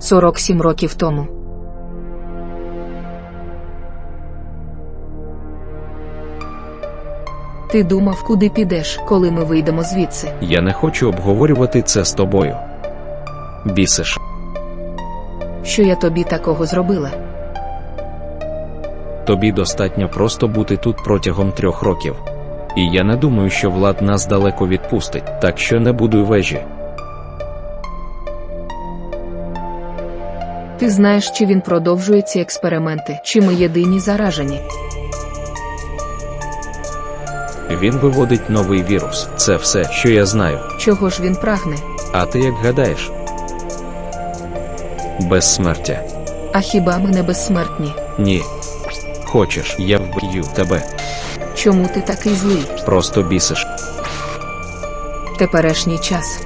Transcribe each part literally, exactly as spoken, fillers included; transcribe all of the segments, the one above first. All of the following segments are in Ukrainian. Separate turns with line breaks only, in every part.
сорок сім років тому. Ти думав, куди підеш, коли ми вийдемо звідси?
Я не хочу обговорювати це з тобою. Бісиш.
Що я тобі такого зробила?
Тобі достатньо просто бути тут протягом трьох років. І я не думаю, що Влад нас далеко відпустить, так що не будуй вежі.
Ти знаєш, чи він продовжує ці експерименти, чи ми єдині заражені?
Він виводить новий вірус. Це все, що я знаю.
Чого ж він прагне?
А ти як гадаєш? Безсмертя.
А хіба ми не безсмертні?
Ні. Хочеш, я вб'ю тебе.
Чому ти такий злий?
Просто бісиш.
Теперішній час.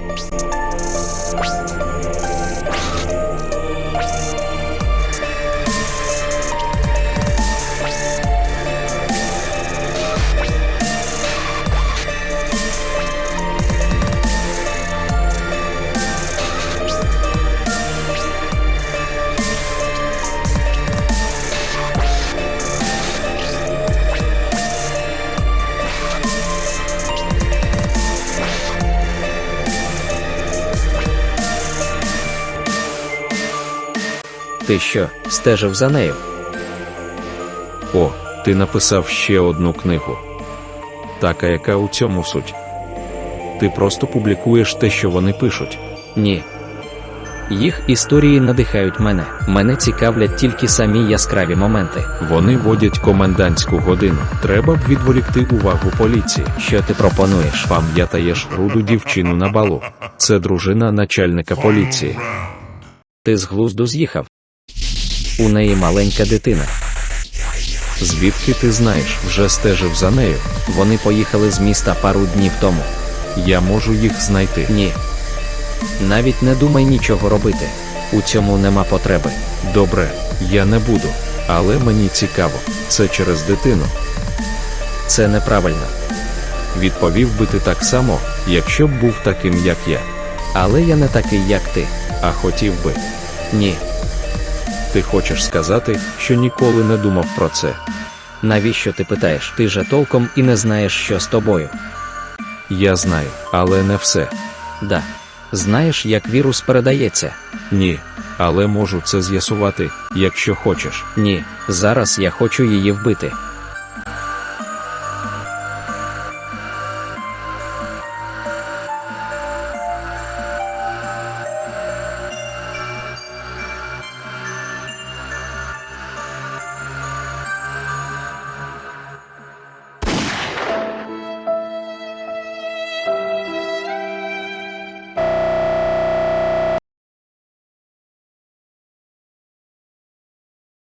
Ти що, стежив за нею? О, ти написав ще одну книгу. Так, а яка у цьому суть? Ти просто публікуєш те, що вони пишуть.
Ні. Їх історії надихають мене. Мене цікавлять тільки самі яскраві моменти.
Вони водять комендантську годину. Треба б відволікти увагу поліції.
Що ти пропонуєш?
Пам'ятаєш руду дівчину на балу? Це дружина начальника поліції.
Ти з глузду з'їхав? У неї маленька дитина.
Звідки ти знаєш? Вже стежив за нею.
Вони поїхали з міста пару днів тому.
Я можу їх знайти.
Ні. Навіть не думай нічого робити. У цьому нема потреби.
Добре, я не буду. Але мені цікаво. Це через дитину.
Це неправильно.
Відповів би ти так само, якщо б був таким, як я.
Але я не такий, як ти.
А хотів би.
Ні.
Ти хочеш сказати, що ніколи не думав про це?
Навіщо ти питаєш? Ти же толком і не знаєш, що з тобою.
Я знаю, але не все.
Да. Знаєш, як вірус передається?
Ні, але можу це з'ясувати, якщо хочеш.
Ні, зараз я хочу її вбити.